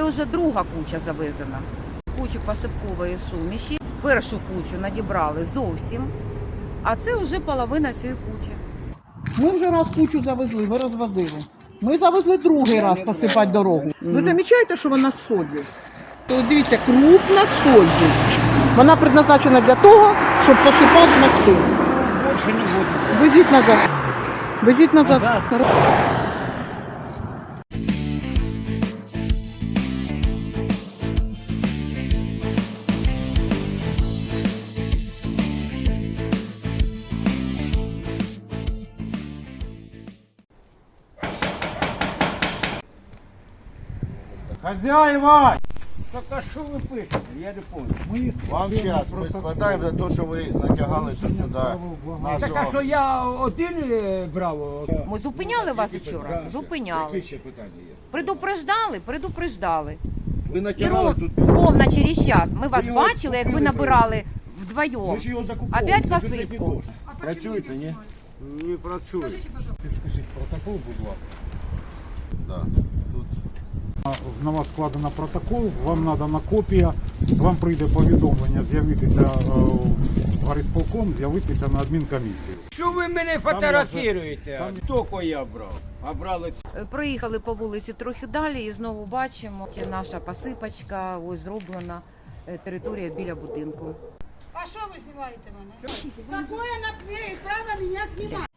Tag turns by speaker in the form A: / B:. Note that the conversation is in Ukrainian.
A: Це вже друга куча завезена. Кучу посипкової суміші. Першу кучу надібрали зовсім, а це вже половина цієї кучі.
B: Ми вже раз кучу завезли, ви розвозили. Ми завезли другий раз посипати дорогу. Ви замічаєте, що вона з солью? То дивіться, крупна з солью. Вона предназначена для того, щоб посипати мости.
C: Больше не буду.
B: Везіть назад. Везіть назад.
C: Хозяева! Так а що ви пишете? Я не пам'ятаю.
D: Вам час, ми складаємо за те, що ви натягали тут сюди
C: Так а
D: нашого...
C: що я один брав?
A: Ми зупиняли вас вчора? Зупиняли.
D: ще питання є?
A: Предупреждали? Предупреждали.
D: Ви
A: І
D: натягали тут...
A: ровно через час. Ми вас
D: його
A: бачили, як ви
D: купили,
A: набирали вдвоєм.
D: Ми ж його закуповували.
A: Опять
D: за бюджетні
A: посипку.
D: кошти. Працюєте, ні?
C: Не працюю.
E: Підскажіть протокол, будь ласка.
D: Да. Тут...
E: На вас складено протокол, вам надана копія, вам прийде повідомлення з'явитися в горисполком, з'явитися на адмінкомісію.
C: Що ви мене фотографуєте? Тільки я брав. А брали
A: Проїхали по вулиці трохи далі і знову бачимо, що наша посипочка, ось зроблена територія біля будинку.
F: А что вы снимаете меня? Какое она имеет право меня снимать?